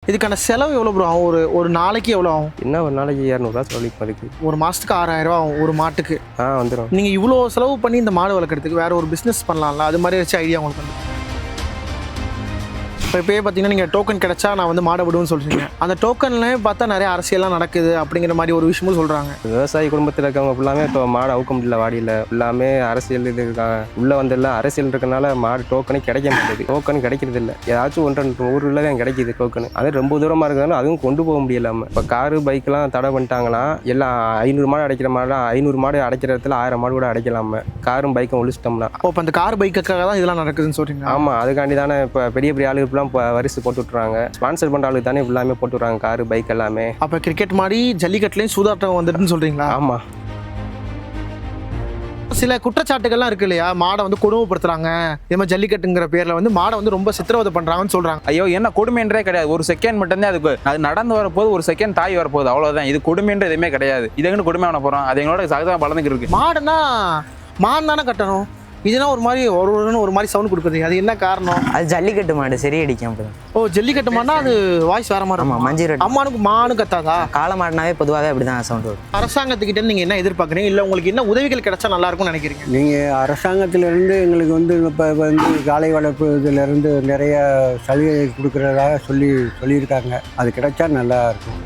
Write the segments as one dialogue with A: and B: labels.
A: இதுக்கான செலவு எவ்வளோ ப்ரோ ஆகும்? ஒரு நாளைக்கு எவ்வளோ ஆகும்?
B: என்ன ஒரு நாளைக்கு 200 செலவழிக்கும் அதுக்கு.
A: ஒரு மாதத்துக்கு 6000 ரூபா ஆகும் ஒரு மாட்டுக்கு.
B: வந்துடும்.
A: நீங்கள் இவ்வளோ செலவு பண்ணி இந்த மாடு வளர்க்குறதுக்கு வேறு ஒரு பிஸ்னஸ் பண்ணலாம்ல, அது மாதிரி ஏதாச்சும் ஐடியா உங்களுக்கு வந்து? இப்போ இப்போயே பார்த்தீங்கன்னா நீங்கள் டோக்கன் கிடச்சா நான் வந்து மாடை விடுவேன்னு சொல்கிறீங்க. அந்த டோக்கன்லேயே பார்த்தா நிறைய அரசியல்லாம் நடக்குது அப்படிங்கிற மாதிரி ஒரு விஷயமும் சொல்கிறாங்க.
B: விவசாயி குடும்பத்தில் இருக்கவங்க ஃபுல்லாமே இப்போ மாடு அவுக்க முடியல, வாடியில் ஃபுல்லாமே அரசியல் இது இருக்காங்க. உள்ளே வந்தெல்லாம் அரசியல் இருக்கனால மாடு டோக்கனே கிடைக்க மாட்டேது. டோக்கன் கிடைக்கிறது இல்லை. ஏதாச்சும் 1-2 ஊரில் தான் கிடைக்கிது டோக்கனு. அது ரொம்ப தூரமாக இருக்கிறதால அதுவும் கொண்டு போக முடியலாமல். இப்போ காரு பைக்கெலாம் தடை பண்ணிட்டாங்கன்னா எல்லாம் 500 மாடு அடைக்கிற மாதிரி 500 மாடு அடைக்கிற இடத்துல 1000 மாடு கூட அடைக்கலாமல் காரும் பைக்கும் ஒழிச்சிட்டோம்னா.
A: இப்போ அந்த கார் பைக்குக்காக தான் இதெல்லாம் நடக்குதுன்னு சொல்கிறீங்க?
B: ஆமாம், அதுக்காண்டி தானே இப்போ பெரிய பெரிய ஆளுக்கு இப்போ வரிசை போட்டு விட்றாங்க. ஸ்பான்சர் பண்ணுற ஆளுக்கு தானே எல்லாமே போட்டு விட்றாங்க காரு பைக் எல்லாமே.
A: அப்போ கிரிக்கெட் மாதிரி ஜல்லிக்கட்டுலேயும் சூதாட்டம் வந்துட்டுன்னு சொல்கிறீங்களா?
B: ஆமாம்.
A: சில குற்றச்சாட்டுகள்லாம் இருக்கு இல்லையா, மாடை வந்து கொடுமைப்படுத்துறாங்க, இதே மாதிரி ஜல்லிக்கட்டுங்கிற பேரில் வந்து மாடை வந்து ரொம்ப சித்திரவதை பண்ணுறாங்கன்னு சொல்கிறாங்க.
C: ஐயோ, என்ன கொடுமைன்றே கிடையாது. ஒரு செகண்ட் மட்டும்தான் அதுக்கு அது நடந்து வரப்போது, ஒரு செகண்ட் தாய் வரப்போகுது, அவ்வளோதான். இது கொடுமைன்ற எதுவுமே கிடையாது. இதுக்குன்னு கொடுமை பண்ண போகிறோம். அது எங்களோட சகஜமாக வளர்ந்துக்கு இருக்கு.
A: மாடுனா மான் தானே கட்டணும். இதுனா ஒரு மாதிரி ஒரு மாதிரி சவுண்ட் கொடுக்குது. அது என்ன காரணம்?
D: அது ஜல்லிக்கட்டு மாடு சரி அடிக்கும்.
A: ஓ, ஜல்லிக்கட்டு மாடுனா அது வாய்ஸ் வேற மாதிரி.
D: ஆமாம், மஞ்சள் ரெட்.
A: அம்மானுக்கு மானு கத்தாதா?
D: காளை மாடுனாவே பொதுவாகவே அப்படி தான் சவுண்ட் வரும்.
A: அரசாங்கத்துக்கிட்ட நீங்கள் என்ன எதிர்பார்க்குறீங்க, இல்லை உங்களுக்கு என்ன உதவிகள் கிடைச்சா நல்லா இருக்கும்னு நினைக்கிறீங்க?
E: நீங்கள் அரசாங்கத்திலேருந்து எங்களுக்கு வந்து இப்போ வந்து காளை வளர்ப்பு இதிலேருந்து நிறைய சலுகை கொடுக்குறதாக சொல்லியிருக்காங்க. அது கிடைச்சா நல்லா இருக்கும்.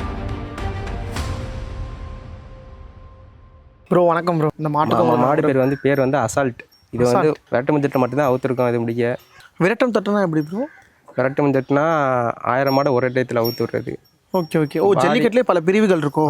A: ப்ரோ வணக்கம் ப்ரோ. இந்த
B: மாடு பேர் வந்து அசால்ட். இது வந்து விரட்டு மஞ்சட்டை மட்டும்தான் அவுத்துருக்கோம். இது முடிக்க
A: விரட்டம் தட்டுனா எப்படி ப்ரோ?
B: விரட்டு மஞ்சட்டுனா 1000 மாடை ஒரே டயத்தில் அவுத்து விடுறது.
A: Okay okay. ஓ, ஜல்லிக்கட்டுலேயே பல பிரிவுகள் இருக்கும்.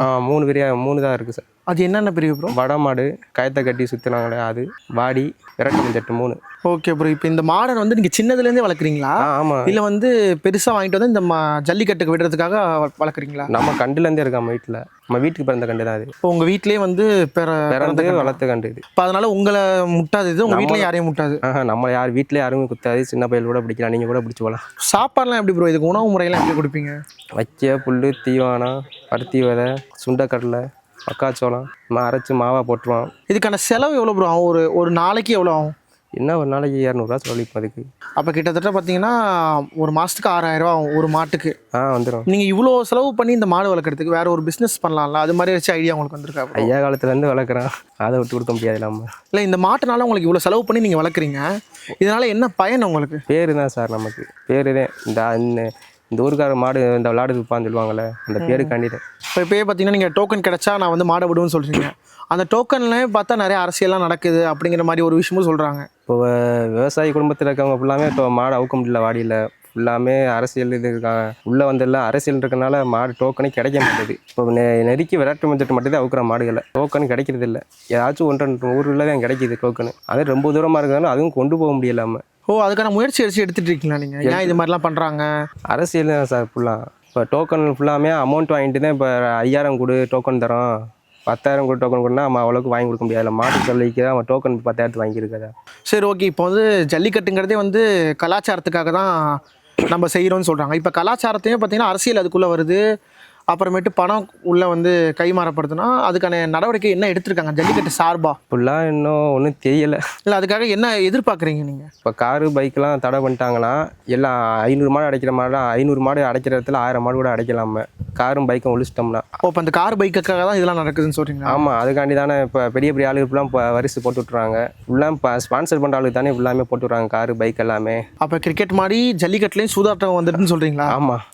B: 3 தான் இருக்குது சார்.
A: அது என்னென்ன பிரிவு ப்ரோ?
B: வட மாடு, கயத்தை கட்டி சுற்றினாங்களே அது, வாடி, விரட்டு மஞ்சட்டு 3.
A: Okay bro. இப்போ இந்த மாடை வந்து நீங்கள் சின்னதுலேருந்தே வளர்க்குறீங்களா?
B: ஆமாம்.
A: இல்லை வந்து பெருசாக வாங்கிட்டு வந்து இந்த ஜல்லிக்கட்டுக்கு விடுறதுக்காக வளர்க்குறீங்களா?
B: நம்ம கண்டுலேருந்தே இருக்கோம். நம்ம வீட்டுக்கு பிறந்த கண்டு தான் அது.
A: இப்போ உங்கள் வீட்லேயே வந்து
B: பிறந்து வளர்த்த கண்டு இது.
A: இப்போ அதனால உங்களை முட்டாது, இது உங்கள் வீட்டில் யாரையும் முட்டாது?
B: நம்ம வீட்டில் யாருமே குத்தாது. சின்ன பையல் கூட பிடிக்கலாம், நீங்கள் கூட பிடிச்சி போகலாம்.
A: சாப்பாடுலாம் எப்படி ப்ரோ? இதுக்கு உணவு முறையெல்லாம் எப்படி கொடுப்பீங்க?
B: வைக்க புல், தீவானம், பருத்தி விதை, சுண்டைக்கடலை, மக்காச்சோளம் அரைச்சி மாவாக போட்டுருவோம்.
A: இதுக்கான செலவு எவ்வளோ ப்ரோ ஆகும்? ஒரு நாளைக்கு எவ்வளோ ஆகும்?
B: என்ன ஒரு நாளைக்கு 200 செலவழிக்கும் அதுக்கு.
A: அப்போ கிட்டத்தட்ட பார்த்தீங்கன்னா ஒரு மாதத்துக்கு 6000 ரூபா ஆகும் ஒரு மாட்டுக்கு.
B: வந்துடும்.
A: நீங்கள் இவ்வளோ செலவு பண்ணி இந்த மாடு வளர்க்குறதுக்கு வேறு ஒரு பிஸ்னஸ் பண்ணலாம்ல, அது மாதிரி ஏதாச்சும் ஐடியா உங்களுக்கு வந்திருக்கா?
B: ஐயா காலத்துலேருந்து வளர்க்குறோம், அதை விட்டு கொடுக்க முடியாது நம்ம.
A: இல்லை, இந்த மாட்டுனால உங்களுக்கு இவ்வளோ செலவு பண்ணி நீங்கள் வளர்க்குறீங்க, இதனால் என்ன பயன் உங்களுக்கு?
B: பேர் தான் சார். நமக்கு பேர் தான். இந்த ஊருக்கார மாடு இந்த விளாடுக்கு உட்பான்னு சொல்லுவாங்கள்ல, அந்த பேரு கண்டிப்பாக.
A: இப்போயே பார்த்தீங்கன்னா நீங்கள் டோக்கன் கிடச்சா நான் வந்து மாடை விடுவேன்னு சொல்கிறீங்க. அந்த டோக்கன்லேயே பார்த்தா நிறைய அரசியல்லாம் நடக்குது அப்படிங்கிற மாதிரி ஒரு விஷயமும் சொல்கிறாங்க.
B: இப்போ விவசாயி குடும்பத்தில் இருக்கவங்க ஃபுல்லாமே இப்போ மாடு அவுக்க முடியல, வாடியில் ஃபுல்லாமே அரசியல் இது இருக்காங்க. உள்ளே வந்தெல்லாம் அரசியல் இருக்கனால மாடு டோக்கனே கிடைக்க மாட்டேது. இப்போ நெருக்கி விரட்டு மஞ்சட்டு மட்டும்தான் அவுக்குற மாடுகளை. டோக்கன் கிடைக்கிறது இல்லை. ஏதாச்சும் 1-2 ஊரில் தான் கிடைக்கிது டோக்கனு. அது ரொம்ப தூரமாக இருக்கிறதால அதுவும் கொண்டு போக முடியலாமல்.
A: ஓ, அதுக்கான முயற்சி எடுத்துகிட்டு இருக்கீங்களா நீங்கள்? ஏன் இது மாதிரிலாம் பண்ணுறாங்க?
B: அரசியல் தான் சார் ஃபுல்லாக. இப்போ டோக்கன் ஃபுல்லாமே அமௌண்ட் வாங்கிட்டு தான். இப்போ 5000 கொடு டோக்கன் தரோம், 10,000 கூட டோக்கன் கொடுனா நம்ம அவ்வளோக்கு வாங்கி கொடுக்க முடியாது. மாட்டு சொல்லிக்கு அவன் டோக்கன் 10,000 வாங்கியிருக்காதா. சரி,
A: ஓகே. இப்போ வந்து ஜல்லிக்கட்டுங்கிறதே வந்து கலாச்சாரத்துக்காக தான் நம்ம செய்கிறோன்னு சொல்கிறாங்க. இப்போ கலாச்சாரத்தையும் பார்த்தீங்கன்னா அரசியல் அதுக்குள்ளே வருது, அப்புறமேட்டு பணம் உள்ளே வந்து கைமாறப்படுதுன்னா அதுக்கான நடவடிக்கை என்ன எடுத்திருக்காங்க ஜல்லிக்கட்டு சார்பாக?
B: ஃபுல்லாக இன்னும் ஒன்றும் தெரியலை.
A: இல்லை, அதுக்காக என்ன எதிர்பார்க்குறீங்க நீங்கள்?
B: இப்போ காரு பைக்கெலாம் தடை பண்ணிட்டாங்கன்னா எல்லாம் 500 மாடு அடைக்கிற மாதிரி 500 மாடு அடைக்கிற இடத்துல 1000 மாடு கூட அடைக்கலாமல் காரும் பைக்கும் ஒழிச்சிட்டோம்னா.
A: இப்போ அந்த கார் பைக்குக்காக தான் இதெல்லாம் நடக்குதுன்னு சொல்கிறீங்க?
B: ஆமாம், அதுக்காண்டி தானே இப்போ பெரிய பெரிய ஆளுக்கு ஃபுல்லாக இப்போ வரிசை போட்டு விட்றாங்க. ஃபுல்லாக இப்போ ஸ்பான்சர் பண்ணுற ஆளுக்கு தானே ஃபுல்லாமே போட்டு விட்றாங்க காரு பைக் எல்லாமே.
A: அப்போ கிரிக்கெட் மாதிரி ஜல்லிக்கட்டுலேயும் சூதாட்டம் வந்துட்டுன்னு சொல்கிறீங்களா?
B: ஆமாம்.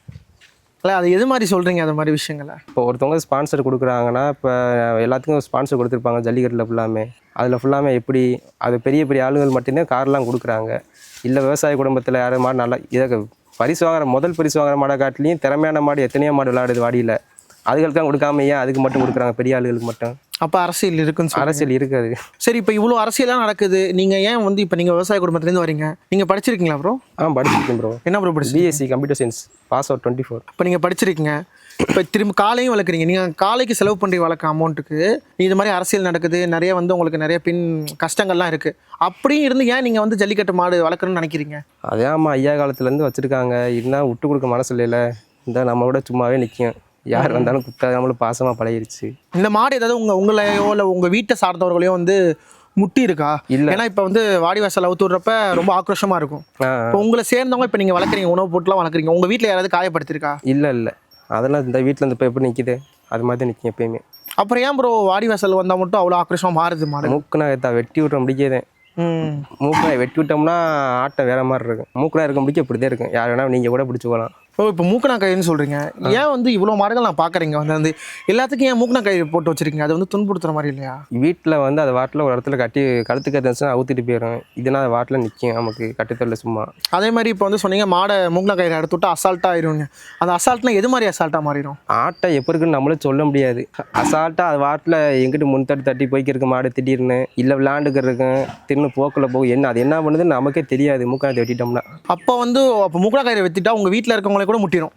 A: இல்லை, அது எது மாதிரி சொல்கிறீங்க அந்த மாதிரி விஷயங்களை?
B: இப்போ ஒருத்தவங்க ஸ்பான்சர் கொடுக்குறாங்கன்னா இப்போ எல்லாத்துக்கும் ஸ்பான்சர் கொடுத்துருப்பாங்க ஜல்லிக்கட்டில் ஃபுல்லாமே. அதில் ஃபுல்லாமே எப்படி அது பெரிய பெரிய ஆளுகள் மட்டும்தான் கார்லாம் கொடுக்குறாங்க. இல்லை விவசாய குடும்பத்தில் யாரும் மாடு நல்லா இதை பரிசு வாங்குற முதல் பரிசு வாங்குற மாடை காட்டிலையும் திறமையான மாடு எத்தனையோ மாடு விளையாடுது வாடியில். அதுகளுக்கு தான் கொடுக்காம ஏன் அதுக்கு மட்டும் கொடுக்குறாங்க, பெரிய ஆளுகளுக்கு மட்டும்?
A: அப்போ அரசியல் இருக்குன்னு?
B: அரசியல் இருக்காது.
A: சரி, இப்போ இவ்வளோ அரசியலாக நடக்குது, நீங்கள் ஏன் வந்து இப்போ நீங்கள் விவசாய குடும்பத்துலேருந்து வரீங்க, நீங்கள் படிச்சிருக்கீங்களா ப்ரோ?
B: படிச்சிருக்கேன் ப்ரோ.
A: என்ன ப்ரோ படிச்சு?
B: BSc computer science, pass out 24.
A: இப்போ நீங்கள் படிச்சிருக்கீங்க, இப்போ திரும்ப காலையும் வளர்க்குறீங்க. நீங்கள் காலைக்கு செலவு பண்ணுற வளர்க்க அமௌண்ட்டுக்கு இது மாதிரி அரசியல் நடக்குது, நிறைய வந்து உங்களுக்கு நிறைய கஷ்டங்கள்லாம் இருக்குது. அப்படியும் இருந்து ஏன் நீங்கள் வந்து ஜல்லிக்கட்டு மாடு வளர்க்கணும்னு நினைக்கிறீங்க?
B: அதே ஐயா காலத்துலேருந்து வச்சுருக்காங்க. இருந்தால் விட்டு கொடுக்க மனசு இல்லைல்ல. இந்த நம்மளோட சும்மாவே நிற்கும். யார் வந்தாலும் குத்தா நம்மளும் பாசமாக பழகிருச்சு.
A: இந்த மாடு ஏதாவது உங்களையோ இல்லை உங்கள் வீட்டை சார்ந்தவர்களையோ வந்து முட்டி இருக்கா?
B: இல்ல.
A: ஏன்னா இப்போ வந்து வாடி வாசல் அவுத்து விடுறப்ப ரொம்ப ஆக்ரோஷமா இருக்கும். இப்போ உங்களை சேர்ந்தவங்க இப்போ நீங்கள் வளர்க்குறீங்க, உணவு போட்டுலாம் வளர்க்குறீங்க, உங்கள் வீட்டில் யாராவது காயப்படுத்திருக்கா?
B: இல்லை அதெல்லாம் இந்த வீட்டில் இந்த இப்போ எப்படி நிற்கிது அது மாதிரி தான் நிற்கும் எப்பயுமே.
A: அப்புறம் ஏன் ப்ரோ வாடி வாசல் வந்தால் மட்டும் அவ்வளோ ஆக்ரோஷமாக மாறுது மாடு?
B: மூக்குனா வெட்டி விட்ற முடிக்காதே. மூக்குனா வெட்டி விட்டோம்னா ஆட்டம் வேற மாதிரி இருக்கும். மூக்குனா இருக்க முடிக்க இப்படி தான் இருக்கும். யார் வேணா நீங்கள் கூட பிடிச்சி போகலாம்.
A: ஓ, இப்போ மூக்கணா கயிறுன்னு சொல்கிறீங்க. ஏன் வந்து இவ்வளோ மாடுகள் நான் பார்க்குறீங்க வந்து எல்லாத்துக்கும் ஏன் மூக்கணா கயிறு போட்டு வச்சிருக்கீங்க? அது வந்து துன்புறுத்துற மாதிரி இல்லையா?
B: வீட்டில் வந்து அது வாட்டில் ஒரு இடத்துல கட்டி கழுத்துக்கு இருந்துச்சுன்னா அவுத்திட்டு போயிடும். இதுனா அது வாட்டில் நிற்கும், நமக்கு கட்டுத்தரல சும்மா.
A: அதே மாதிரி இப்போ வந்து சொன்னீங்க மாடை மூக்கணா கயிறு எடுத்து விட்டு அசால்ட்டாக ஆயிடுங்க. அந்த அசால்ட்னா எது மாதிரி அசால்ட்டாக மாறிடும்?
B: ஆட்டை எப்போ இருக்குன்னு நம்மளும் சொல்ல முடியாது. அசால்ட்டாக அது வாட்டில் எங்கிட்ட முன்தட்டு தட்டி போய்க்கிருக்கு மாடு திடீர்னு, இல்லை விளாண்டுக்கிறதுக்கும் தின்னு போக்கில் போகும். என்ன அது என்ன பண்ணுதுன்னு நமக்கே தெரியாது மூக்கணத்தை வெட்டிட்டோம்னா.
A: அப்போ மூக்கணா கயிறை வெட்டிட்டா உங்கள் வீட்டில் இருக்கவங்களே கூட முட்டிடும்.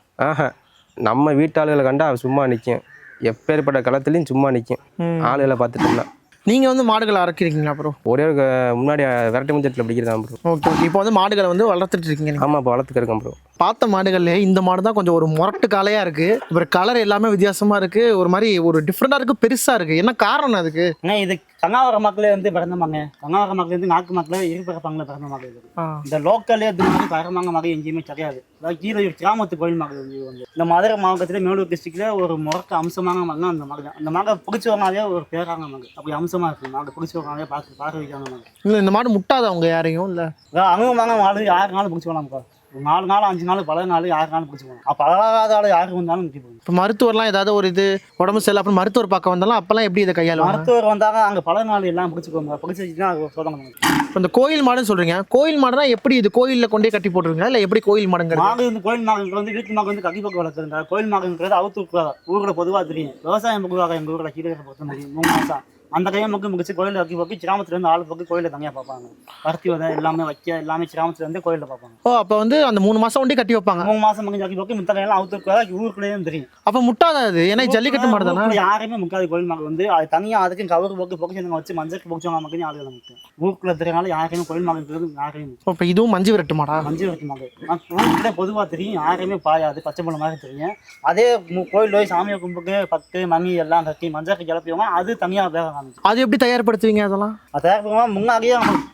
B: நம்ம வீட்டாளுகளை கண்டா அவன் சும்மா நிற்கும். எப்பேற்பட்ட களத்துலையும் சும்மா நிற்கும் ஆளுகளை பார்த்துட்டோம்னா.
A: நீங்கள் வந்து மாடுகளை அறக்கிறீங்களா ப்ரோ?
B: ஒரே ஒரு முன்னாடி விரட்டு முஞ்சத்தில் பிடிக்கிறதா ப்ரோ.
A: ஓகே. இப்போ வந்து மாடுகளை வந்து வளர்த்துட்டு இருக்கீங்க நீங்கள்?
B: ஆமாம், இப்போ வளர்த்துக்க இருக்கேன் ப்ரோ.
A: பார்த்த மாடுகள்ல இந்த மாடு தான் கொஞ்சம் ஒரு முரட்டு காலையாக இருக்குது. அப்புறம் கலர் எல்லாமே வித்தியாசமாக இருக்குது, ஒரு மாதிரி ஒரு டிஃப்ரெண்ட்டாக இருக்குது, பெருசாக இருக்குது. என்ன காரணம் அதுக்கு?
F: ஏன்னா இது கங்காவர மக்களே வந்து பிறந்தமாங்க. கங்காவர மக்கள் வந்து நாக்கு மக்களே இருப்பிறப்பாங்களே பிறந்த மக்கள் இது. இந்த லோக்கல்லே இது மாதிரி பரமாங்க மகை எங்கேயுமே கிடையாது. கீழே கிராமத்து கோயில் மகள் வந்து இந்த மதுரை மாவட்டத்தில் மேலூர் டிஸ்ட்ரிக்ட்ல ஒரு முரட்டு அம்சமான மகன் அந்த மகன். அந்த மகை பிடிச்சவங்களாலே ஒரு பேராங்க மகன். அப்படி அம்சமாக இருக்குது மகை, பிடிச்சவங்களாலே பார்க்க வைக்காங்க மகன்.
A: இல்லை இந்த மாடு முட்டாத அவங்க யாரையும் இல்லை
F: அனுபவமாக மாடு 6 நாள் பிடிச்சவங்களாம்க்கா. 4 நாள் 5 நாள் பல நாள் 6 நாள் பிடிச்சிக்கணும். அப்போ பழகாத ஆள் யாருக்கு வந்தாலும் நிற்க போகும்.
A: இப்போ மருத்துவர்லாம் ஏதாவது ஒரு இது உடம்பு சரியில்லை அப்புறம் மருத்துவர் பார்க்க வந்தாலும் அப்போல்லாம் எப்படி இதை கையாளுவாங்க?
F: மருத்துவர் வந்தாங்க அங்கே பல நாள் எல்லாம் பிடிச்சிக்கோங்க, பிடிச்சி வச்சுன்னா அது சொல்லுங்க.
A: இப்போ இந்த கோயில் மாடுன்னு சொல்கிறீங்க, கோயில் மாடுனா எப்படி இது கோயிலில் கொண்டே கட்டி போட்டுருங்க இல்லை எப்படி கோயில் மாடுங்கிறது?
F: மாடு வந்து கோயில் மாடுங்கிறது வந்து வீட்டு மாடு வந்து கட்டி பக்கம் வளர்க்குறங்க. கோயில் மாடுங்கிறது அவுத்து ஊரில் பொதுவாக தெரியும். விவசாயம் பொதுவாக எங்கள் ஊரில் கீழே பொறுத்த முடியும் 3 மாதம் அந்த கையை மக்கள் முடிச்சு கோயிலில் வைக்க போக்கி கிராமத்துலேருந்து ஆள் பக்கம் கோயிலில் தனியாக பார்ப்பாங்க. பருத்தி வதை எல்லாமே வைக்க எல்லாமே கிராமத்துலேருந்து கோயிலில் பார்ப்பாங்க.
A: ஓ, அப்போ வந்து அந்த 3 மாதம் ஒண்டி கட்டி வைப்பாங்க.
F: 3 மாதம் மக்கள் வைக்க போக்கி மித்த கையெல்லாம் அவுத்து ஊருக்குள்ளேயும் தெரியும்.
A: அப்போ முட்டாதாது, ஏன்னா ஜல்லிக்கட்டு மாடு தானே.
F: யாருமே முக்காது கோயில் மாடு வந்து அது தனியாக அதுக்கும் கவருக்கு போக்கு பொக்கிச்சு வச்சு மஞ்சளுக்கு பொக்கிச்சவங்க மக்கள் ஆளுகளை முக்கியம். ஊருக்குள்ள தெரியனால யாருமே கோயில் மாடுங்கிறது யாரையும்.
A: இப்போ இதுவும் மஞ்சு விரட்டு மாடா?
F: மஞ்சு விரட்டு மாடு ஊருக்குள்ளே பொதுவாக தெரியும், யாருமே பாயாது, பச்சை பழம் மாதிரி தெரியும். அதே கோயில் போய் சாமியை கும்பிட்டு 10 மணி எல்லாம் கட்டி மஞ்சளுக்கு கிளப்பியோமா அது தனியாக வேக காமிச்சு.
A: அது எப்படி தயார்படுத்துவீங்க அதெல்லாம்?
F: தயாரிப்புமா முன்னாடியே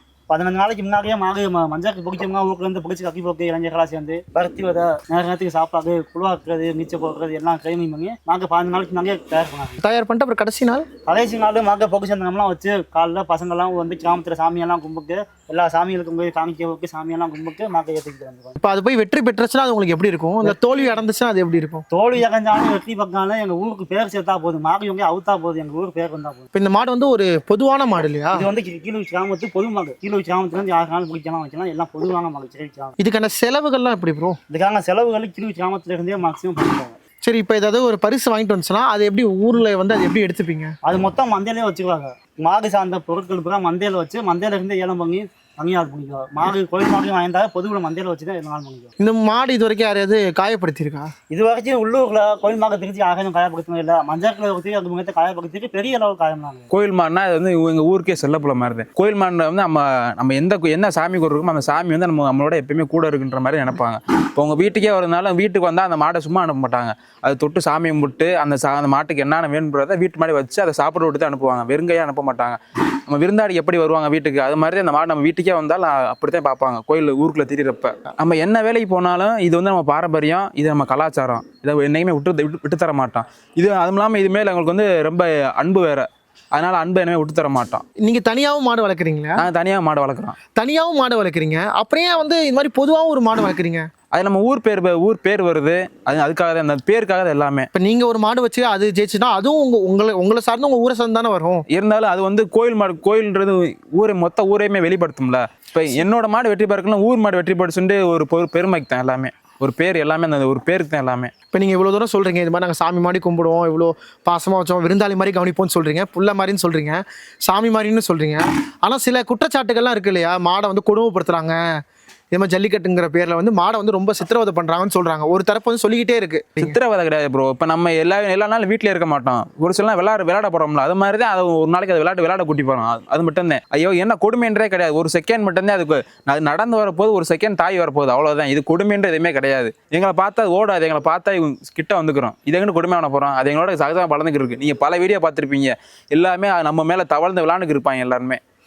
F: 15 நாளைக்கு முன்னாடியே மாடு மஞ்சளுக்கு பிடிச்சவங்க ஊருக்குலேருந்து பிடிச்சி கக்கி போக்கு இளைஞர்களாக சேர்ந்து பருத்தி வதை நேரத்துக்கு சாப்பாடு குழுவாக்குறது நீச்சல் போடுறது எல்லாம் ட்ரைனிங் பண்ணி மாங்க 15 நாளைக்கு முன்னாடியே தயார் பண்ணாங்க.
A: தயார் பண்ணிட்டு அப்புறம் கடைசி நாள்
F: மாங்க பொக்கு சேர்ந்தவங்களாம் வச்சு காலைல பசங்கள்லாம் வந்து கிராமத்தில் சாமியெல்லாம் கும்பிட்டு எல்லா சாமிகளுக்கும் போய் காமிக்க போக்கு சாமியெல்லாம் கும்பிட்டு மாங்க ஏற்றிக்கிட்டு வந்துருவாங்க.
A: இப்போ அது போய் வெற்றி பெற்றுச்சுன்னா அது உங்களுக்கு எப்படி இருக்கும்? இந்த தோல்வி அடைந்துச்சுன்னா அது எப்படி இருக்கும்?
F: தோல்வி அடைஞ்சாலும் வெற்றி பக்காலும் எங்கள் ஊருக்கு பேர் சேர்த்தா போதும், மாடு இவங்க அவுத்தா போதும், எங்கள் ஊருக்கு பேர் வந்தா போதும்.
A: இப்போ இந்த மாடு வந்து ஒரு பொதுவான மாடு இல்லையா?
F: இது வந்து கீழே கிராமத்து பொது மாடு. கீழே கிராமத்துலேருந்து 6 நாள் பிடிக்கலாம் வைக்கலாம், எல்லாம் பொதுவான மாடு கிராமம்.
A: இதுக்கான செலவுகள்லாம் எப்படி ப்ரோ?
F: இதுக்கான செலவுகள் கீழே கிராமத்துல இருந்தே மேக்ஸிமம் பண்ணிடுவாங்க.
A: சரி, இப்போ ஏதாவது ஒரு பரிசு வாங்கிட்டு வந்துச்சுன்னா அது எப்படி ஊரில் வந்து அது எப்படி எடுத்துப்பீங்க?
F: அது மொத்தம் மந்தையிலே வச்சுக்குவாங்க. மாடு சார்ந்த பொருட்கள் பூரா மந்தையில் வச்சு மந்தையில இருந்து ஏலம் பண்ணி தனியார் பண்ணிக்குவாங்க. மாடு கோயில் மாடு வாங்கிட்டா பொதுவில் மந்தையில் வச்சு தான் 7 நாள் பண்ணிக்குவாங்க.
A: இந்த மாடு இது வரைக்கும் யாரையாவது காயப்படுத்தியிருக்கா?
F: இது வரைக்கும் உள்ளூரில் கோயில் மாடு திருச்சி யாரையும் காயப்படுத்தவே இல்லை. மஞ்சள் ஊற்றி அது முகத்தை காயப்படுத்திட்டு பெரிய அளவு காயம்னாங்க.
C: கோயில் மாடுனா அது வந்து எங்கள் ஊருக்கே செல்லப்புல மாதிரி தான். கோயில் மாடு வந்து நம்ம என்ன சாமி கொடுக்குறோமோ அந்த சாமி வந்து நம்மளோட எப்பயுமே கூட இருக்குன்ற மாதிரி நினைப்பாங்க. இப்போ உங்கள் வீட்டுக்கே வரதுனால வீட்டுக்கு வந்தால் அந்த மாடை சும்மா அனுப்ப மாட்டாங்க. அது தொட்டு சாமி கும்பிட்டு அந்த மாட்டுக்கு என்னென்ன வேணுன்றதை வீட்டு மாடி வச்சு அதை சாப்பிட விட்டு தான் அனுப்புவாங்க. வெறுங்கையாக அனுப்ப மாட்டாங்க. நம்ம விருந்தாடி எப்படி வருவாங்க வீட்டுக்கு, அது மாதிரி அந்த மாடு நம்ம வீட்டுக்கே வந்தாலும் அப்படித்தான் பார்ப்பாங்க. கோயில் ஊருக்குள்ள திரியிறப்ப நம்ம என்ன வேலைக்கு போனாலும் இது வந்து நம்ம பாரம்பரியம், இது நம்ம கலாச்சாரம், இதை என்னைக்குமே விட்டு தர மாட்டோம். இது அதுவும் இல்லாமல் இது மேலே எங்களுக்கு வந்து ரொம்ப அன்பு வேற, அதனால அன்பை என்னமே விட்டு தர மாட்டோம்.
A: நீங்க தனியாகவும் மாடு வளர்க்குறீங்களா?
C: நாங்கள் தனியாக மாடு வளர்க்குறோம்.
A: தனியாகவும் மாடு வளர்க்குறீங்க, அப்புறம் ஏன் வந்து இது மாதிரி பொதுவாகவும் ஒரு மாடு வளர்க்குறீங்க?
C: அது நம்ம ஊர் பேர் வருது, அதுக்காக தான், அந்த பேருக்காக தான் எல்லாமே.
A: இப்போ நீங்கள் ஒரு மாடு வச்சு அது ஜெயிச்சுன்னா அதுவும் உங்களை சார்ந்து உங்கள் ஊரை சார்ந்து தானே வரும்.
C: இருந்தாலும் அது வந்து கோயில் மாடு, கோயில்ன்றது மொத்த ஊரையுமே வெளிப்படுத்தும்ல. இப்போ என்னோட மாடு வெற்றி பெறக்கலாம், ஊர் மாடு வெற்றி பெற்றுட்டு ஒரு பெருமைக்கு தான் எல்லாமே, ஒரு பேர் எல்லாமே, அந்த ஒரு பேருக்கு தான் எல்லாமே.
A: இப்போ நீங்கள் இவ்வளோ தூரம் சொல்கிறீங்க, இது மாதிரி நாங்கள் சாமி மாதிரி கும்பிடுவோம், இவ்வளோ பாசமாக வச்சோம், விருந்தாளி மாதிரி கவனிப்போம்னு சொல்கிறீங்க, புள்ள மாதிரின்னு சொல்கிறீங்க, சாமி மாதிரின்னு சொல்கிறீங்க. ஆனால் சில குற்றச்சாட்டுகள்லாம் இருக்குது இல்லையா? மாடை வந்து கொடுமைப்படுத்துகிறாங்க, இதே மாதிரி ஜல்லிக்கட்டுங்கிற பேரில் வந்து மாடை வந்து ரொம்ப சித்திரவதை பண்ணுறாங்கன்னு சொல்கிறாங்க. ஒரு தரப்பு வந்து சொல்லிக்கிட்டே இருக்குது.
C: சித்திரவதை கிடையாது ப்ரோ. இப்போ நம்ம எல்லா நாளும் வீட்டில் இருக்க மாட்டோம், ஒரு சில விளையாட போகிறோம்ல, அது மாதிரி தான். அது ஒரு நாளைக்கு அது விளையாட கூட்டி போகிறோம், அது மட்டும்தான். ஐயோ என்ன கொடுமைன்றே கிடையாது. ஒரு செகண்ட் மட்டும்தான் அது நடந்து வரப்போது, ஒரு செகண்ட் தாய் வரப்போகுது, அவ்வளோதான். இது கொடுமைன்ற எதுவுமே கிடையாது. எங்களை பார்த்தா அது ஓடாது, எங்களை பார்த்தா கிட்ட வந்துக்கிறோம். இதை எங்கே கொடுமை பண்ண போகிறோம்? அது எங்களோட சகஜமாக வளர்ந்துக்கு இருக்கு. நீங்கள் பல வீடியோ பார்த்துருப்பீங்க, எல்லாமே நம்ம மேலே தவழ்ந்து விளையாண்டுக்கு இருப்பாங்க எல்லாருமே.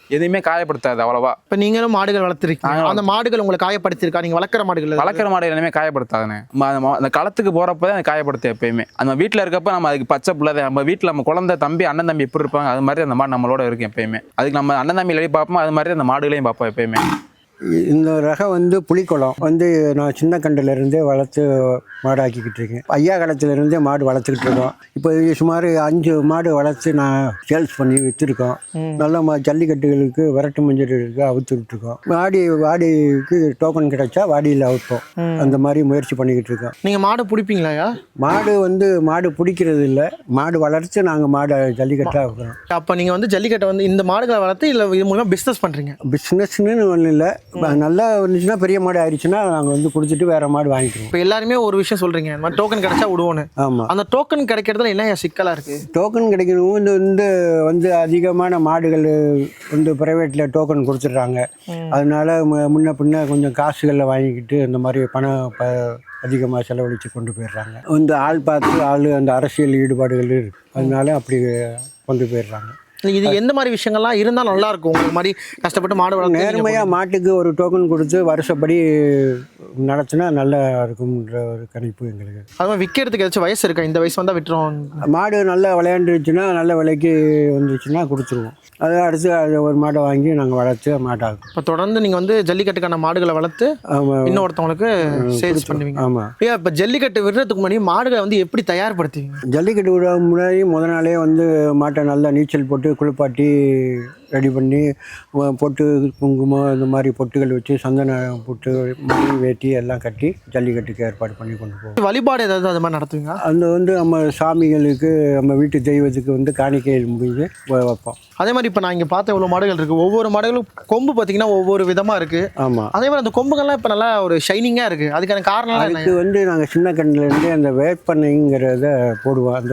C: எதுவுமே காயப்படுத்தாது அவ்வளவா.
A: இப்போ நீங்களும் மாடுகள் வளர்த்துருக்கீங்க,
C: நாங்களும்
A: அந்த மாடுகள் உங்களை காயப்படுத்திருக்கா? நீங்கள் வளர்க்குற மாடுகள்
C: வளர்க்குற மாடு எல்லாமே காயப்படுத்தாதுண்ணே. அந்த களத்துக்கு போகிறப்ப தான் காயப்படுத்து. எப்பயுமே நம்ம வீட்டில் இருக்கப்ப நம்ம அதுக்கு பச்சை பிள்ளை, நம்ம வீட்டில் நம்ம குழந்தை தம்பி அண்ணன் தம்பி எப்படி இருப்பாங்க அது மாதிரி அந்த மாடு நம்மளோட இருக்கும் எப்பயுமே. அதுக்கு நம்ம அண்ணன் தம்பி எப்படி பார்ப்போம் அது மாதிரி அந்த மாடுகளையும் பார்ப்போம் எப்பயுமே.
E: இந்த ரகம் வந்து புலிக்குளம் வந்து நான் சின்ன கண்டுலேருந்தே வளர்த்து மாடாக்கிக்கிட்டு இருக்கேன். ஐயா காலத்துலேருந்தே மாடு வளர்த்துக்கிட்டு இருக்கோம். இப்போ சுமார் 5 மாடு வளர்த்து நான் சேல்ஸ் பண்ணி விற்றுருக்கோம். நல்ல ஜல்லிக்கட்டுகளுக்கு விரட்டு மஞ்சளுக்கு அவுத்துக்கிட்டு இருக்கோம். வாடிக்கு டோக்கன் கிடைச்சா வாடியில் அவுப்போம். அந்த மாதிரி முயற்சி பண்ணிக்கிட்டு இருக்கோம்.
A: நீங்கள் மாடு பிடிப்பீங்களாயா?
E: மாடு பிடிக்கிறது இல்லை, மாடு வளர்த்து நாங்கள் மாடை ஜல்லிக்கட்டாக வைக்கிறோம்.
A: அப்போ நீங்கள் வந்து ஜல்லிக்கட்டை வந்து இந்த மாடுகளை வளர்த்து இல்லை இது மூலமாக பிஸ்னஸ் பண்ணுறீங்க?
E: பிஸ்னஸ்ன்னு ஒன்றும் இல்லை, நல்லா இருந்துச்சுன்னா பெரிய மாடு ஆயிடுச்சுன்னா நாங்கள் வந்து கொடுத்துட்டு வேற மாடு வாங்கிக்கிறோம்.
A: இப்போ எல்லாருமே ஒரு விஷயம் சொல்கிறீங்க, இந்த மாதிரி டோக்கன் கிடைச்சா விடுவோன்னு.
E: ஆமாம்,
A: அந்த டோக்கன் கிடைக்கிறதுல என்ன சிக்கலாக இருக்குது?
E: டோக்கன் கிடைக்கணும். வந்து அதிகமான மாடுகள் வந்து ப்ரைவேட்டில் டோக்கன் கொடுத்துட்றாங்க. அதனால முன்ன பின்ன கொஞ்சம் காசுகளில் வாங்கிக்கிட்டு இந்த மாதிரி பணம் அதிகமாக செலவழித்து கொண்டு போயிடுறாங்க. வந்து ஆள் பார்த்து அந்த அரசியல் ஈடுபாடுகள் இருக்குது, அதனால அப்படி கொண்டு போயிடுறாங்க.
A: இது எந்த மாதிரி விஷயங்கள்லாம் இருந்தால் நல்லா இருக்கும் உங்களுக்கு மாதிரி கஷ்டப்பட்டு மாடு வளர்த்து?
E: நேர்மையாக மாட்டுக்கு ஒரு டோக்கன் கொடுத்து வருஷப்படி நடத்தினா நல்லா இருக்கும்ன்ற ஒரு கணிப்பு எங்களுக்கு.
A: அது மாதிரி விற்கிறதுக்கு ஏதாச்சும் வயசு இருக்கா? இந்த வயசு வந்தால் விட்டுருவோம்.
E: மாடு நல்லா விளையாண்டுருச்சுன்னா நல்ல விலைக்கு வந்துச்சுன்னா கொடுத்துருவோம். அதை அடுத்து அதை ஒரு மாடை வாங்கி நாங்கள் வளர்த்து மாட்டாகும்.
A: இப்போ தொடர்ந்து நீங்கள் வந்து ஜல்லிக்கட்டுக்கான மாடுகளை வளர்த்து இன்னொருத்தவங்களுக்கு சேல்ஸ் பண்ணுவீங்க?
E: ஆமாம்.
A: இப்போ ஜல்லிக்கட்டு விடுறதுக்கு முன்னாடி மாடுகளை வந்து எப்படி தயார்படுத்துவீங்க?
E: ஜல்லிக்கட்டு விட முன்னாடி முத நாளே வந்து மாட்டை நல்லா நீச்சல் போட்டு குளிப்பாட்டி ரெடி பண்ணி பொட்டு குங்குமம் இந்த மாதிரி பொட்டுகள் வச்சு சந்தன பொட்டு மணி வேட்டி எல்லாம் கட்டி ஜல்லிக்கட்டுக்கு ஏற்பாடு பண்ணி கொண்டு போவோம்.
A: வழிபாடு ஏதாவது அது மாதிரி நடத்துவீங்க?
E: அந்த வந்து நம்ம சாமிகளுக்கு நம்ம வீட்டு தெய்வத்துக்கு வந்து காணிக்கையில் முடிஞ்சு வைப்போம்.
A: அதே மாதிரி இப்போ நான் இங்கே பார்த்த இவ்வளோ மாடுகள் இருக்குது, ஒவ்வொரு மாடுகளும் கொம்பு பார்த்தீங்கன்னா ஒவ்வொரு விதமாக இருக்குது.
E: ஆமாம்,
A: அதே மாதிரி அந்த கொம்புகள்லாம் இப்போ நல்லா ஒரு ஷைனிங்காக இருக்குது. அதுக்கான காரணம்
E: அதுக்கு வந்து நாங்கள் சின்ன கண்ணுலேருந்தே அந்த வேப்பனைங்கிறத போடுவோம். அந்த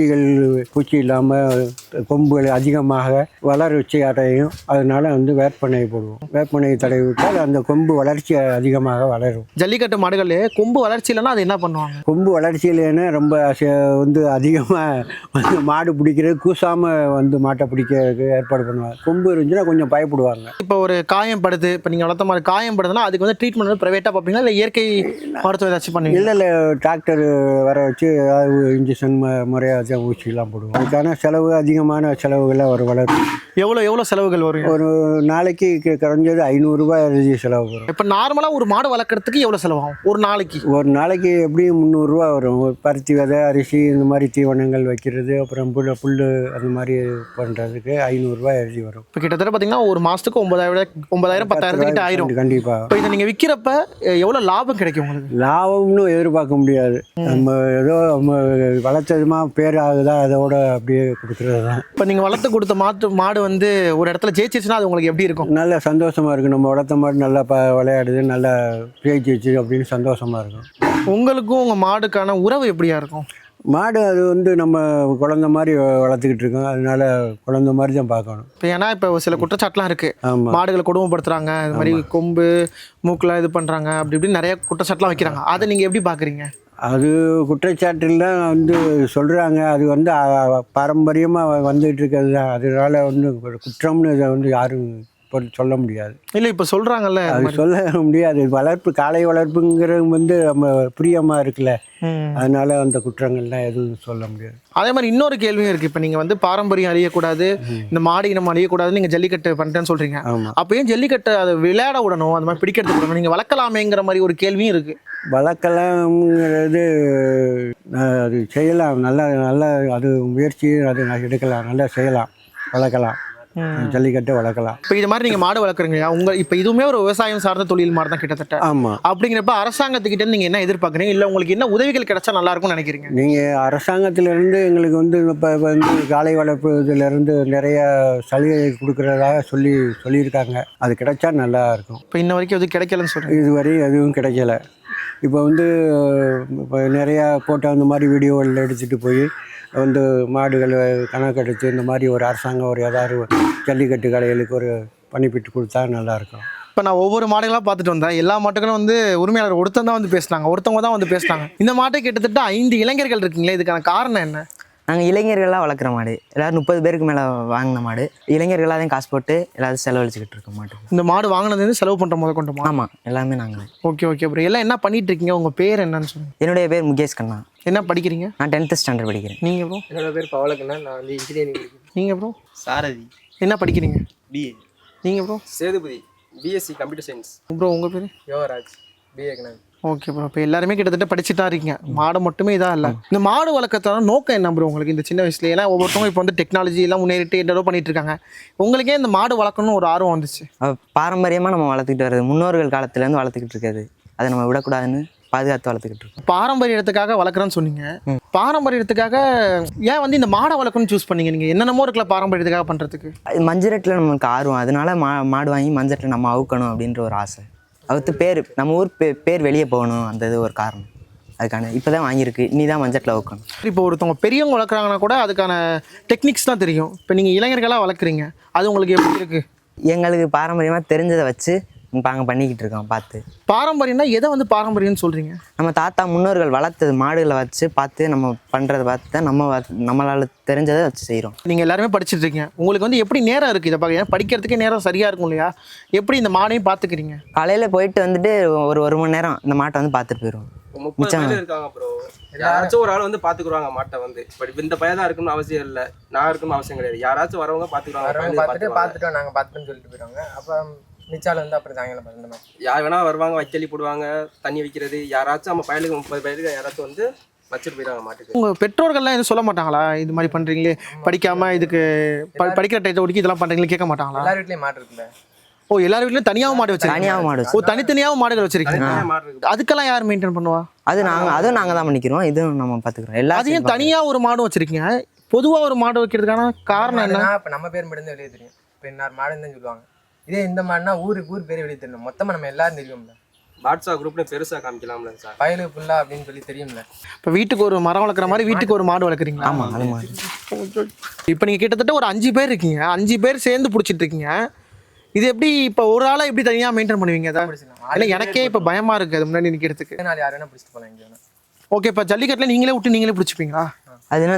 E: பூச்சி இல்லாமல் கொம்புகள் அதிகமாக வளர வச்சு அடையும். அதனால வந்து வேப்பனை போடுவோம். வேப்பனை தடவி விட்டால் அந்த கொம்பு வளர்ச்சி அதிகமாக வளரும்.
A: ஜல்லிக்கட்டு மாடுகள் கொம்பு வளர்ச்சி இல்லைன்னா அது என்ன பண்ணுவாங்க?
E: கொம்பு வளர்ச்சியிலேன்னு ரொம்ப வந்து அதிகமாக வந்து மாடு பிடிக்கிறது கூசாமல் வந்து மாட்டை பிடிக்கிறதுக்கு ஏற்பாடு பண்ணுவாங்க. கொம்பு இருந்துச்சுன்னா கொஞ்சம் பயப்படுவாங்க.
A: இப்போ ஒரு காயம் படுது, இப்போ நீங்கள் வளர்த்த மாதிரி காயம் படுதுன்னா அதுக்கு வந்து ட்ரீட்மெண்ட் வந்து ப்ரைவேட்டாக பார்ப்பீங்களா இல்லை இயற்கை மருத்துவம் ஏதாச்சும் பண்ணுவீங்க?
E: இல்லை டாக்டர் வர வச்சு ஏதாவது இன்ஜெக்ஷன் முறையாக ஊசிலாம் போடுவோம். அதுக்கான செலவு அதிகமான செலவுகளை ஒரு வளர்ப்பு.
A: எவ்வளோ செலவுகள் வரும்?
E: ஒரு நாளைக்கு குறைஞ்சது 500 ரூபாய் எழுதி செலவு வரும்.
A: இப்போ நார்மலாக ஒரு மாடு வளர்க்குறதுக்கு எவ்வளோ செலவாகும் ஒரு நாளைக்கு?
E: ஒரு நாளைக்கு எப்படியும் 300 ரூபா வரும். ஒரு பருத்தி விதை, அரிசி இந்த மாதிரி தீவனங்கள் வைக்கிறது, அப்புறம் புல் அந்த மாதிரி பண்ணுறதுக்கு 500 ரூபாய் எழுதி வரும்.
A: இப்போ கிட்டத்தட்ட பார்த்தீங்கன்னா ஒரு மாதத்துக்கு 9,000 10,000 கிட்ட ஆயிரும்.
E: கண்டிப்பாக.
A: இப்போ இதை நீங்கள் விற்கிறப்ப எவ்வளோ லாபம் கிடைக்கும் உங்களுக்கு?
E: லாபம்னு எதிர்பார்க்க முடியாது. நம்ம ஏதோ நம்ம வளர்த்ததுமா பேர் ஆகுதா அதோட அப்படியே கொடுக்குறது தான்.
A: இப்போ நீங்கள் வளர்த்து கொடுத்த மாடு வந்து ஒரு இடத்துல ஜெயிச்சிச்சுன்னா அது உங்களுக்கு எப்படி இருக்கும்?
E: நல்ல சந்தோஷமாக இருக்கும். நம்ம வளர்த்த மாடு நல்லா விளையாடுது, நல்லா ஜெயிச்சிச்சு அப்படின்னு சந்தோஷமாக இருக்கும்.
A: உங்களுக்கும் உங்கள் மாடுக்கான உறவு எப்படியா இருக்கும்?
E: மாடு அது வந்து நம்ம குழந்த மாதிரி வளர்த்துக்கிட்டு இருக்கோம். அதனால குழந்த மாதிரி தான் பார்க்கணும்.
A: இப்போ ஏன்னா இப்போ சில குற்றச்சாட்டுலாம் இருக்குது.
E: ஆமாம்,
A: மாடுகளை கொடுமைப்படுத்துறாங்க, இது மாதிரி கொம்பு மூக்கெலாம் இது பண்ணுறாங்க, அப்படி இப்படி நிறைய குற்றச்சாட்டுலாம் வைக்கிறாங்க. அதை நீங்கள் எப்படி பார்க்குறீங்க?
E: அது குற்றச்சாட்டுலாம் வந்து சொல்கிறாங்க. அது வந்து பாரம்பரியமாக வந்துகிட்டு இருக்கிறது தான். அதனால வந்து குற்றம்னு இதை வந்து யாரும் சொல்ல முடியாது.
A: இல்லை இப்போ சொல்கிறாங்கல்ல,
E: அது சொல்ல முடியாது. காளை வளர்ப்புங்கிறது வந்து நம்ம பிரியமாக இருக்குல்ல, அதனால அந்த குற்றங்கள்லாம் எதுவும் சொல்ல முடியாது.
A: அதே மாதிரி இன்னொரு கேள்வியும் இருக்குது. இப்போ நீங்கள் வந்து பாரம்பரியம் அழியக்கூடாது, இந்த மாடு இனம் அழியக்கூடாதுன்னு நீங்கள் ஜல்லிக்கட்டு பண்ணுறேன்னு சொல்கிறீங்க.
E: ஆமாம்.
A: அப்போ ஏன் ஜல்லிக்கட்டை அதை விளையாட விடணும், அந்த மாதிரி பிடிக்கிறதுக்கு விடணும்? நீங்கள் வளர்க்கலாமேங்கிற மாதிரி ஒரு கேள்வியும் இருக்குது.
E: வளர்க்கலாம்ங்கிறது அது செய்யலாம். நல்ல அது முயற்சி அது எடுக்கலாம், நல்லா செய்யலாம், வளர்க்கலாம், ஜல்லிக்கட்டை வளர்க்கலாம்.
A: இப்போ இது மாதிரி நீங்கள் மாடு வளர்க்குறீங்களா? இப்போ இதுவுமே ஒரு விவசாயம் சார்ந்த தொழில் மாதிரி தான் கிட்டத்தட்ட.
E: ஆமாம்.
A: அப்படிங்கிறப்ப அரசாங்கத்துக்கிட்ட நீங்கள் என்ன எதிர்பார்க்குறீங்க, இல்லை உங்களுக்கு என்ன உதவிகள் கிடைச்சா நல்லா இருக்கும்னு நினைக்கிறீங்க?
E: நீங்கள் அரசாங்கத்திலேருந்து எங்களுக்கு வந்து இப்போ வந்து காளை வளர்ப்பு இதிலேருந்து நிறைய சலுகை கொடுக்குறதாக சொல்லியிருக்காங்க. அது கிடைச்சா நல்லா இருக்கும்.
A: இப்போ இன்ன வரைக்கும் எதுவும் கிடைக்கலன்னு சொல்கிறேன்.
E: இதுவரை எதுவும் கிடைக்கல. இப்போ வந்து இப்போ நிறையா போட்ட அந்த மாதிரி வீடியோவில் எடுத்துகிட்டு போய் வந்து மாடுகள் கணக்கெடுத்து இந்த மாதிரி ஒரு அரசாங்கம் ஒரு ஏதாவது ஜல்லிக்கட்டு கடைகளுக்கு ஒரு பண்ணிப்பிட்டு கொடுத்தா நல்லாயிருக்கும்.
A: இப்போ நான் ஒவ்வொரு மாடுகளாக பார்த்துட்டு வந்தேன். எல்லா மாட்டுகளும் வந்து உரிமையாளர் ஒருத்தவங்க தான் வந்து பேசினாங்க. இந்த மாட்டை கிட்டத்தட்ட 5 இளைஞர்கள் இருக்கீங்களே, இதுக்கான காரணம் என்ன?
D: நாங்கள் இளைஞர்களாக வளர்க்குற மாடு, எல்லோரும் 30 பேருக்கு மேலே வாங்கின மாடு, இளைஞர்களாக தான் காசு போட்டு எல்லாரும் செலவழிச்சிக்கிட்டு இருக்கோம் மாட்டுக்கு.
A: இந்த மாடு வாங்கினது செலவு பண்ணுற முத கொண்டுமா?
D: ஆமாம், எல்லாமே நாங்கள்.
A: Okay okay bro. எல்லாம் என்ன பண்ணிட்டு இருக்கீங்க? உங்கள் பேர் என்னன்னு சொல்லுங்கள்.
D: என்னுடைய பேர் முகேஷ் கண்ணா.
A: என்ன படிக்கிறீங்க?
D: நான் 10th ஸ்டாண்டர்ட் படிக்கிறேன்.
A: நீங்கள் ப்ரோ?
B: என்னோட பேர் பவலக்கண்ணா, நான் வந்து இன்ஜினியரிங் படிக்கிறேன்.
A: நீங்கள் ப்ரோ?
F: சாரதி
A: என்ன படிக்கிறீங்க?
F: பிஏ.
A: நீங்கள் bro?
B: Sethupathi, BSc computer science.
A: Bro உங்கள் பேர்?
B: Yogaraj, BA economics.
A: Okay bro. இப்போ எல்லாருமே கிட்டத்தட்ட படிச்சுட்டு தான் இருக்கீங்க. மாடு மட்டுமே இதாக இல்லை. இந்த மாடு வளர்க்கறதான நோக்கம் என்ன ப்ரோ உங்களுக்கு இந்த சின்ன வயசுல? ஏன்னா ஒவ்வொருத்தவங்க இப்போ வந்து டெக்னாலஜி எல்லாம் முன்னேறிட்டு என்னடோ பண்ணிட்டு இருக்காங்க. உங்களுக்கே இந்த மாடு வளர்க்கணும்னு ஒரு ஆர்வம் வந்துச்சு?
D: பாரம்பரியமாக நம்ம வளர்த்துக்கிட்டு வருது, முன்னோர்கள் காலத்துலேருந்து வளர்த்துக்கிட்டு இருக்காது, அதை நம்ம விடக்கூடாதுன்னு பாதுகாத்து வளர்த்துக்கிட்டு இருக்கோம்.
A: பாரம்பரியத்துக்காக வளர்க்குறேன்னு சொன்னீங்க. பாரம்பரியத்துக்காக ஏன் வந்து இந்த மாடை வளர்க்கணும்னு சூஸ் பண்ணீங்க? நீங்கள் என்னென்னமோ இருக்கல பாரம்பரியத்துக்காக பண்ணுறதுக்கு.
D: மஞ்சரட்டில் நமக்கு ஆர்வம், அதனால மாடு வாங்கி மஞ்சட்டில் நம்ம அவுக்கணும் அப்படின்ற ஒரு ஆசை. அவுத்து பேர் நம்ம ஊர் பேர் வெளியே போகணும், அந்த இது ஒரு காரணம். அதுக்கான இப்போ தான் வாங்கியிருக்கு, இனி தான் மஞ்சட்டில் அவுக்கணும்.
A: இப்போ ஒருத்தவங்க பெரியவங்க வளர்க்குறாங்கன்னா கூட அதுக்கான டெக்னிக்ஸ் தான் தெரியும். இப்போ நீங்கள் இளைஞர்களாக வளர்க்குறீங்க, அது உங்களுக்கு எப்படி இருக்குது?
D: எங்களுக்கு பாரம்பரியமாக தெரிஞ்சதை வச்சு நாங்கள் பண்ணிக்கிட்டு இருக்கோம். பார்த்து
A: பாரம்பரியம்னா எதை வந்து பாரம்பரியம்னு சொல்கிறீங்க?
D: நம்ம தாத்தா முன்னோர்கள் வளர்த்தது மாடுகளை வச்சு பார்த்து நம்ம பண்ணுறதை பார்த்து தான் நம்மளால் தெரிஞ்சதை வச்சு செய்கிறோம்.
A: நீங்கள் எல்லாருமே படிச்சுட்டு இருக்கீங்க, உங்களுக்கு வந்து எப்படி நேரம் இருக்குது இதை பார்க்க? படிக்கிறதுக்கே நேரம் சரியாக இருக்கும் இல்லையா? எப்படி இந்த மாடையும் பார்த்துக்கிறீங்க?
D: காலையில் போயிட்டு வந்துட்டு ஒரு மணி நேரம் இந்த மாட்டை வந்து பார்த்துட்டு போயிடுவோம்.
B: 30 பேர் இருக்காங்க ப்ரோ. யாராச்சும் ஒரு ஆள் வந்து பாத்துக்குறாங்க மாட்டை வந்து. பட் இந்த பையன் தான் இருக்கணும்னு அவசியம் இல்லை, நான் இருக்கணும்னு அவசியம் கிடையாது. யாராச்சும் வரவங்க பாத்துக்குறாங்க,
G: பார்த்துட்டோம் நாங்கள் பார்த்துன்னு சொல்லிட்டு போயிடுவாங்க. அப்போ மிச்சால் வந்து அப்புறம் சாயங்காலம் பார்த்து மாதிரி
B: யார் வேணா வருவாங்க, வைக்கலி போடுவாங்க, தண்ணி வைக்கிறது. யாராச்சும் நம்ம பயலுக்கு 30 பேருக்கு யாராச்சும் வந்து வச்சுட்டு போயிடுவாங்க மாட்டுக்கு.
A: உங்கள் பெற்றோர்கள்லாம் எதுவும் சொல்ல மாட்டாங்களா? இது மாதிரி பண்ணுறீங்களே, படிக்காமல் இதுக்கு படிக்கிற டைத்தை ஒடுக்கி இதெல்லாம் பண்ணுறீங்களே கேட்க மாட்டாங்களா?
G: எல்லார் வீட்லேயும் மாட்டு இருக்குல்ல.
A: ஓ, எல்லார் வீட்லையும் தனியாகவும் மாடு வச்சிருக்கீங்க?
D: தனியாகவும் மாடு
A: ஓ, தனித்தனியாகவும் மாடுகள் வச்சிருக்கீங்க.
B: மாடு இருக்கு.
A: அதுக்கெல்லாம் யார் மெயின்டைன் பண்ணுவா?
D: அதுவும் நாங்கள் தான் பண்ணிக்கிறோம், இதுவும் நம்ம பார்த்துக்கிறோம்.
A: அதையும் தனியாக ஒரு மாடு வச்சிருக்கீங்க. பொதுவாக ஒரு மாடு வைக்கிறதுக்கான காரணம் என்ன?
G: இப்போ நம்ம பேர் மட்டும் தான் வெளியே தெரியும். இப்போ இன்னார் மாடுன்னு தான் சொல்லுவாங்க. இதே இந்த மாடுனா ஊர் பேர் வெளியே தெரியணும். மொத்தமாக நம்ம எல்லாரும் தெரியும்ல.
B: வாட்ஸ்அப் குரூப்ல பெருசா காமிக்கலாம்ல சார்,
G: பயலு ஃபுல்லா அப்படின்னு சொல்லி தெரியும்ல.
A: இப்போ வீட்டுக்கு ஒரு மரம் வளர்க்குற மாதிரி வீட்டுக்கு ஒரு மாடு வளர்க்குறீங்களா?
D: ஆமாம், அது மாதிரி.
A: இப்போ நீங்கள் கிட்டத்தட்ட ஒரு 5 பேர் இருக்கீங்க, 5 பேர் சேர்ந்து பிடிச்சிட்டு இருக்கீங்க. இது எப்படி இப்போ ஒரு ஆளை எப்படி தனியாக மெயின்டைன் பண்ணுவீங்க? அதான் இல்லை, எனக்கே இப்போ பயமாக இருக்குது அது முன்னாடி நிற்கிறதுக்கு.
G: நாலு யார் வேணா பிடிச்சிட்டு போகலாம் இங்கே வேணா.
A: ஓகே, இப்போ ஜல்லிக்கட்டில் நீங்களே விட்டு நீங்களே பிடிச்சிப்பீங்களா?
D: அதுனா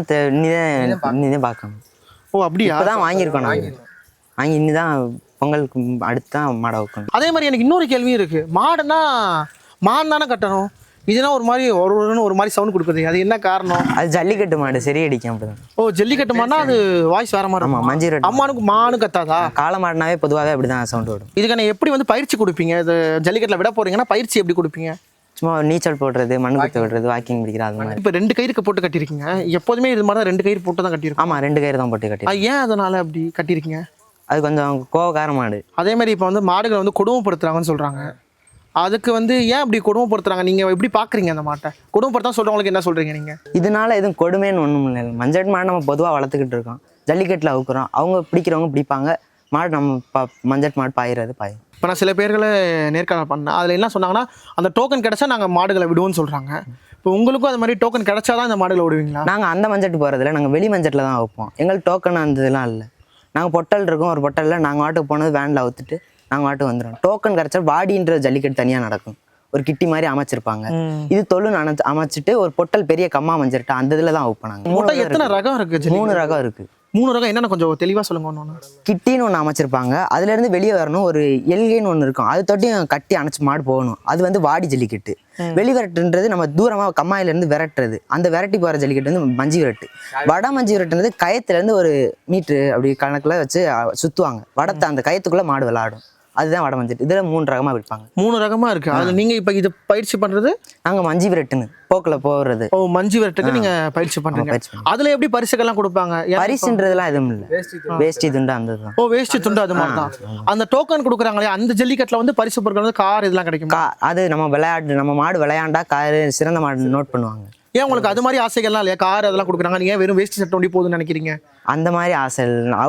D: நீதான் பார்க்கணும்.
A: ஓ, அப்படியா?
D: தான் வாங்கியிருக்கோம் நாங்கள். வாங்கி இன்னிதான் பொங்கலுக்கு அடுத்து தான் மாடை வைக்கணும்.
A: அதே மாதிரி எனக்கு இன்னொரு கேள்வியும் இருக்குது. மாடுனா மான் தானே கட்டணும், இதுனா ஒரு மாதிரி ஒரு மாதிரி சவுண்ட் கொடுக்குது, அது என்ன காரணம்?
D: அது ஜல்லிக்கட்டு மாடு, சரி அடிக்கும் அப்படிதான்.
A: ஓ, ஜல்லிக்கட்டு மாடுனா அது வாய்ஸ் வேற மாதிரி.
D: ஆமாம், மஞ்சள் ரெட்டு.
A: அம்மானுக்கு மானு கத்தாதா?
D: காளை மாடுனாவே பொதுவாகவே அப்படி தான் சவுண்ட் வரும்.
A: இதுக்கான எப்படி வந்து பயிற்சி கொடுப்பீங்க? இது ஜல்லிக்கட்டில் விட போகிறீங்கன்னா பயிற்சி எப்படி கொடுப்பீங்க?
D: சும்மா நீச்சல் போடுறது, மண் குத்து விடுறது, வாக்கிங் பிடிக்கிறது, அது மாதிரி.
A: இப்போ 2 கயிறுக்கு போட்டு கட்டியிருக்கீங்க. எப்போதுமே இது மாதிரி தான் 2 கயிறு போட்டு தான் கட்டியிருக்கோம்.
D: ஆமாம், 2 கயிறு தான் போட்டு கட்டி.
A: ஏன் அதனால அப்படி கட்டியிருக்கீங்க?
D: அது கொஞ்சம் கோவக்கார மாடு.
A: அதே மாதிரி இப்போ வந்து மாடுகளை வந்து கொடுமைப்படுத்துறாங்கன்னு சொல்கிறாங்க. அதுக்கு வந்து ஏன் அப்படி கொடுமைப்படுத்துறாங்க? நீங்கள் எப்படி பார்க்குறீங்க அந்த மாட்டை? கொடுமைப்படுத்தா சொல்கிறவங்களுக்கு என்ன சொல்கிறீங்க நீங்கள்?
D: இதனால எதுவும் கொடுமைன்னு ஒன்றும் இல்லை. மஞ்சள் மாடு நம்ம பொதுவாக வளர்த்துக்கிட்டு இருக்கோம், ஜல்லிக்கட்டில் அவுக்குறோம், அவங்க பிடிக்கிறவங்க பிடிப்பாங்க. மாடு நம்ம மஞ்சள் மாடு பாயிறது பாயும்.
A: இப்போ நான் சில பேர்களை நேர்காணல் பண்ணேன், அதில் என்ன சொன்னாங்கன்னா அந்த டோக்கன் கிடச்சா நாங்கள் மாடுகளை விடுவோம்னு சொல்கிறாங்க. இப்போ உங்களுக்கும் அது மாதிரி டோக்கன் கிடச்சா தான் இந்த மாடுகளை விடுவீங்களா?
D: நாங்கள் அந்த மஞ்சட்டு போகிறதில்ல, நாங்கள் வெளி மஞ்சட்டில் தான் வைப்போம். எங்களுக்கு டோக்கன் அந்த இதெல்லாம் இல்லை. நாங்கள் பொட்டல் இருக்கோம், ஒரு பொட்டலில் நாங்கள் வாட்டுக்கு போனது வேனில் அவுத்துட்டு நாங்கள் வாட்டுக்கு வந்துடுவோம். டோக்கன் கிடச்சா வாடின்ற ஜல்லிக்கட்டு தனியாக நடக்கும், ஒரு கிட்டி மாதிரி அமைச்சிருப்பாங்க. இது தொழுன்னு அமைச்சிட்டு ஒரு பொட்டல் பெரிய கம்மா மஞ்சிருட்டு அந்த இதில் தான் வைப்போம். நாங்கள்
A: எத்தனை ரகம் இருக்குது?
D: 3 ரகம் இருக்குது.
A: 3 ரகம் என்னென்ன கொஞ்சம் தெளிவாக சொல்லுங்க. ஒன்று
D: கிட்டின்னு ஒன்று அமைச்சிருப்பாங்க, அதுலேருந்து வெளியே வரணும். ஒரு எல்கைன்னு ஒன்று இருக்கும், அது தொட்டியும் கட்டி அணைச்சி மாடு போகணும். அது வந்து வாடி ஜல்லிக்கட்டு. வெளி விரட்டுன்றது நம்ம தூரமாக கம்மாயிலேருந்து விரட்டுறது. அந்த விரட்டி போகிற ஜல்லிக்கட்டு வந்து மஞ்சி விரட்டு. வட மஞ்சி விரட்டுன்றது கயத்துலேருந்து ஒரு மீட்ரு அப்படி கணக்கில் வச்சு சுற்றுவாங்க. வடத்தை அந்த கயத்துக்குள்ளே மாடு விளாடும், அதுதான் வட மஞ்சள். இதில் 3 ரகமாக விற்பாங்க.
A: 3 ரகமாக இருக்குது. அதில் நீங்கள் இப்போ இது பயிற்சி பண்ணுறது?
D: நாங்கள் மஞ்சி விரட்டுன்னு போக்கில் போகிறது.
A: ஓ, மஞ்சி விரட்டுக்கு நீங்கள் பயிற்சி பண்ணுறீங்க. அதில் எப்படி பரிசுகள்லாம் கொடுப்பாங்க?
D: பரிசுன்றதுலாம் எதுவும் இல்லை, வேஷ்டி துண்டு அந்த இதுதான்.
A: ஓ, வேஷ்டி துண்டு அது மாதிரி தான். அந்த டோக்கன் கொடுக்குறாங்களே அந்த ஜல்லிக்கட்டில் வந்து பரிசு பொருட்கள் வந்து கார் இதெல்லாம் கிடைக்கும்.
D: அது நம்ம மாடு விளையாண்டா கார் சிறந்த மாடு நோட் பண்ணுவாங்க.
A: ஏன் உங்களுக்கு அது மாதிரி ஆசைகள்லாம் இல்லையா? கார் அதெல்லாம் கொடுக்குறாங்க, நீங்கள் வெறும் வேஷ்டி சட்டை ஒண்டி போகுதுன்னு நினைக்கிறீங்க?
D: அந்த மாதிரி ஆசை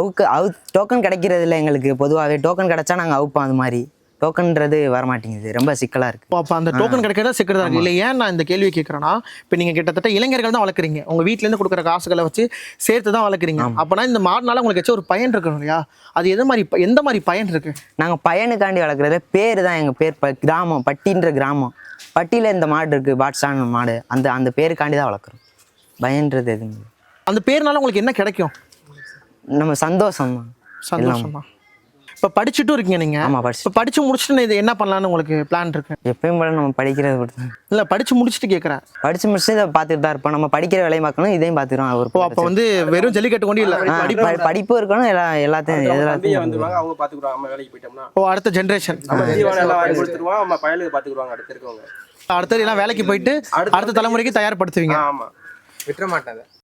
D: டோக்கன் கிடைக்கிறது இல்லை எங்களுக்கு. பொதுவாகவே டோக்கன் கிடைச்சா நாங்கள் அவுப்போம். அது மாதிரி டோக்கன்றது வரமாட்டேங்குது, ரொம்ப சிக்கலாக இருக்குது.
A: அப்போ அந்த டோக்கன் கிடைக்கிறதா சிக்கிறதா இல்லை? ஏன் நான் இந்த கேள்வியை கேட்குறேன்னா, இப்போ நீங்கள் கிட்டத்தட்ட இளைஞர்கள் தான் வளர்க்குறீங்க, உங்கள் வீட்டிலேருந்து கொடுக்குற காசுகளை வச்சு சேர்த்து தான் வளர்க்குறீங்க. அப்போனா இந்த மாடுனால உங்களுக்கு ஏதாச்சும் ஒரு பயன் இருக்கணும் இல்லையா? அது எந்த மாதிரி பயன் இருக்குது?
D: நாங்கள் பயனுக்காண்டி வளர்க்குறது பேர் தான். எங்கள் பேர் கிராமம், பட்டின்ற கிராமம். பட்டியில் இந்த மாடு இருக்குது, பாட்ஸான மாடு, அந்த பேருக்காண்டி தான் வளர்க்குறோம். பயன்றது எதுவும்.
A: அந்த பேர்னால உங்களுக்கு என்ன கிடைக்கும்?
D: நம்ம சந்தோஷம் தான்.
A: சந்தோஷம் தான். இப்போ படிச்சுட்டும் இருக்கீங்க நீங்கள்.
D: ஆமா, படிச்சு.
A: இப்போ படிச்சு முடிச்சுட்டு இது என்ன பண்ணலான்னு உங்களுக்கு பிளான் இருக்கு?
D: எப்பயும் போல நம்ம படிக்கிறது பொறுத்து.
A: இல்லை படிச்சு முடிச்சுட்டு கேட்குறேன்.
D: படிச்சு முடிச்சு இதை பார்த்துட்டு தான் இருப்போம். நம்ம படிக்கிற வேலையை பார்க்கணும், இதையும் பார்த்துக்கிறோம்.
A: ஓ அப்போ வந்து வெறும் ஜல்லிக்கட்டு கொண்டு இல்லை,
D: படிப்பு இருக்கணும், எல்லாத்தையும்
B: வந்துருவாங்க, அவங்க பார்த்துக்குறாங்க. நம்ம வேலைக்கு போயிட்டோம்னா
A: ஓ அடுத்த ஜென்ரேஷன்
B: தீவனம் எல்லாம் வாங்கி கொடுத்துருவோம், நம்ம பயலுக்கு பார்த்துக்குருவாங்க அடுத்து இருக்கவங்க.
A: அடுத்தது எல்லாம் வேலைக்கு போயிட்டு அடுத்த தலைமுறைக்கு தயார்படுத்துவீங்க.
B: ஆமாம்,
G: விட்டுற மாட்டாங்க.